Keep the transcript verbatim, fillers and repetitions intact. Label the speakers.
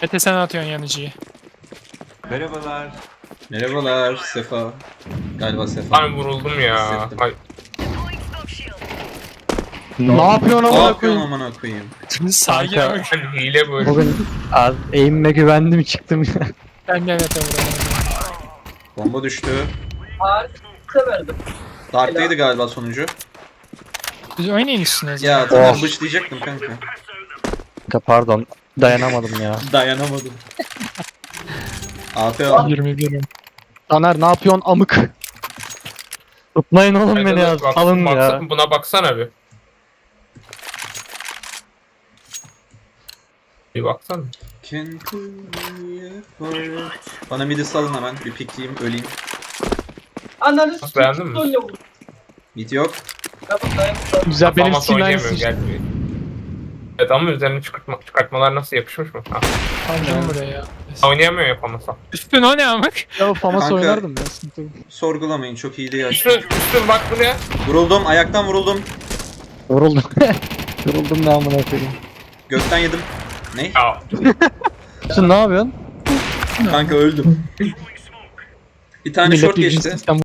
Speaker 1: Mete sen atıyorsun yanıcıyı.
Speaker 2: Merhabalar. Merhabalar Sefa. Galiba Sefa.
Speaker 3: Ay vuruldum ya.
Speaker 2: Hissettim.
Speaker 3: Ay,
Speaker 4: Ne yapıyorsun
Speaker 2: Ne
Speaker 4: amına
Speaker 2: yapıyorsun
Speaker 4: koyayım?
Speaker 2: amına koyayım?
Speaker 1: Sakin
Speaker 4: Kanka.
Speaker 1: bak.
Speaker 3: ben hile bu.
Speaker 4: Bugün az eğimime güvendim çıktım ya.
Speaker 1: Ben de Mete vuramadım.
Speaker 2: Bomba düştü.
Speaker 5: Harika verdim.
Speaker 2: Dark'taydı galiba sonucu.
Speaker 1: Biz oynayın üstüne o zaman.
Speaker 2: Ya tamam
Speaker 4: Oh.
Speaker 2: bıçlayacaktım kanka.
Speaker 4: Kanka pardon. Dayanamadım ya.
Speaker 2: Dayanamadım. A F al.
Speaker 1: yirmi birim.
Speaker 4: Taner ne yapıyorsun amık? Tutmayın oğlum
Speaker 3: Ay,
Speaker 4: beni
Speaker 3: dur,
Speaker 4: ya.
Speaker 3: bak-
Speaker 4: Alın
Speaker 3: baksa-
Speaker 4: ya.
Speaker 3: Buna baksana bir. Bir baksana.
Speaker 2: Can pull me apart. Bana midi salın hemen. Bir pikleyeyim öleyim.
Speaker 5: Ananı
Speaker 3: Beğendin
Speaker 5: sikeyim
Speaker 3: mi?
Speaker 5: böyle vurdu.
Speaker 2: Mid yok.
Speaker 5: Ya bak dayanamadım.
Speaker 4: Güzel benim
Speaker 3: Famas
Speaker 4: Steam
Speaker 3: oynayamıyor,
Speaker 4: aynısı.
Speaker 3: gel bir. Evet ama üzerine çıkartma, çıkartmalar nasıl yapışmış mı? Ha.
Speaker 1: Aldım buraya.
Speaker 3: Oynayamıyor yapamasa.
Speaker 1: Üstün o ne amık?
Speaker 4: Ya Famas
Speaker 2: Kanka.
Speaker 4: oynardım ya. Sıkıntı yok.
Speaker 2: Sorgulamayın çok iyi değil.
Speaker 3: Üstün, üstün bak buraya.
Speaker 2: Vuruldum ayaktan vuruldum.
Speaker 4: Yoruldum. Yoruldum ne amına koyayım.
Speaker 2: Gökten yedim. Ne?
Speaker 3: Ya
Speaker 4: Sen ne yapıyorsun?
Speaker 2: Kanka öldüm. Bir tane
Speaker 4: Millet
Speaker 2: short
Speaker 4: birbirini
Speaker 2: geçti.
Speaker 4: sistem